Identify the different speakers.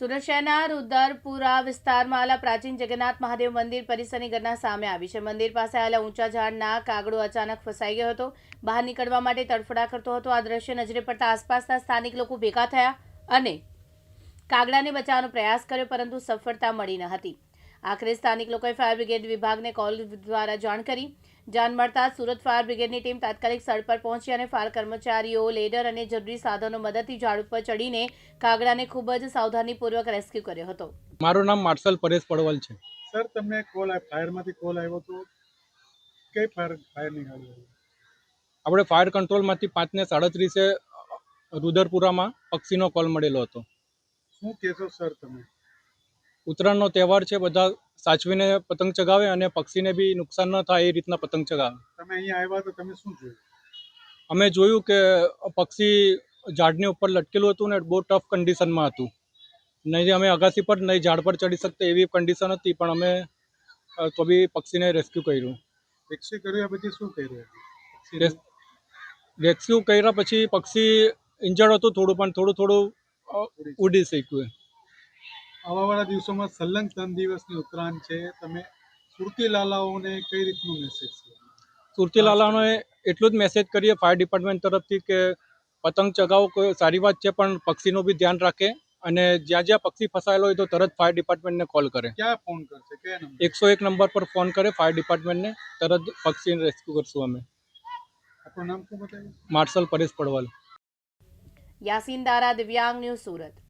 Speaker 1: સુરત શહેરના રુદરપુરા વિસ્તારમાં આવેલા પ્રાચીન જગન્નાથ મહાદેવ મંદિર પરિસરની ઘટના સામે આવી છે। મંદિર પાસે આવેલા ઊંચા ઝાડના કાગડો અચાનક ફસાઈ ગયો હતો। બહાર નીકળવા માટે તડફડા કરતો હતો। આ દ્રશ્ય નજરે પડતા આસપાસના સ્થાનિક લોકો ભેગા થયા અને કાગડાને બચાવવાનો પ્રયાસ કર્યો, પરંતુ સફળતા મળી ન હતી। આખરે સ્થાનિક લોકોએ ફાયર બ્રિગેડ વિભાગને કોલ દ્વારા જાણ કરી। જાણ મળતા સુરત ફાયર બ્રિગેડની ટીમ તાત્કાલિક સ્થળ પર પહોંચી અને ફાયર કર્મચારીઓ લેડર અને જરૂરી સાધનો મદદથી ઝાડ ઉપર ચડીને કાગડાને ખૂબ જ સાવધાનીપૂર્વક રેસ્ક્યુ કર્યો હતો।
Speaker 2: મારું નામ માર્શલ પરેશ પડવલ છે।
Speaker 3: સર, તમને ફાયરમાંથી કોલ આવ્યો તો કઈ ફાયર નીકળ્યો?
Speaker 2: આપણે ફાયર કંટ્રોલમાંથી 5:37 રુદરપુરામાં પક્ષીનો કોલ મળેલો હતો।
Speaker 3: શું કહેશો સર તમે?
Speaker 2: ઉત્તરાયણનો તહેવાર છે, બધા સાચવીને પતંગ ચગાવે અને પક્ષીને બી નુકસાન ન થાય એ રીતના પતંગ ચગાવે।
Speaker 3: તમે અહીંયા આવ્યા તો તમે શું જોયું?
Speaker 2: અમે જોયું કે પક્ષી ઝાડની ઉપર લટકેલું હતું ને બહુ ટફ કન્ડિશનમાં હતું। નહીં અમે અગાસી પર નહીં ઝાડ પર ચડી શકતા એવી કન્ડિશન હતી, પણ અમે તો બી પક્ષીને રેસ્ક્યુ કર્યું।
Speaker 3: રેસ્ક્યુ કર્યા પછી શું કર્યું?
Speaker 2: રેસ્ક્યુ કર્યા પછી પક્ષી ઇન્જર્ડ હતું થોડું, પણ થોડું ઉડી શક્યું।
Speaker 3: આવાવાળા દિવસોમાં સલંગ 3 દિવસની ઉત્તરાયણ છે, તમે સુરતી લાલાઓને કઈ રીતનું મેસેજ છે?
Speaker 2: સુરતી લાલાઓને એટલું જ મેસેજ કરીએ ફાયર ડિપાર્ટમેન્ટ તરફથી કે પતંગ ચગાવો કોઈ સારી વાત છે, પણ પક્ષીનું બી ધ્યાન રાખે અને જ્યાં જ્યાં પક્ષી ફસાયેલો હોય તો તરત ફાયર ડિપાર્ટમેન્ટને કોલ કરે।
Speaker 3: ક્યાં ફોન કરશે? કયા નંબર?
Speaker 2: 101 નંબર પર ફોન કરે ફાયર ડિપાર્ટમેન્ટને, તરત પક્ષીને રેસ્ક્યુ કરશું અમે।
Speaker 3: આપણું નામ શું બતાવ્યું?
Speaker 2: માર્શલ પરેશ પડવલ।
Speaker 1: યાસીન દારા, દિવ્યાંગ ન્યૂઝ, સુરત।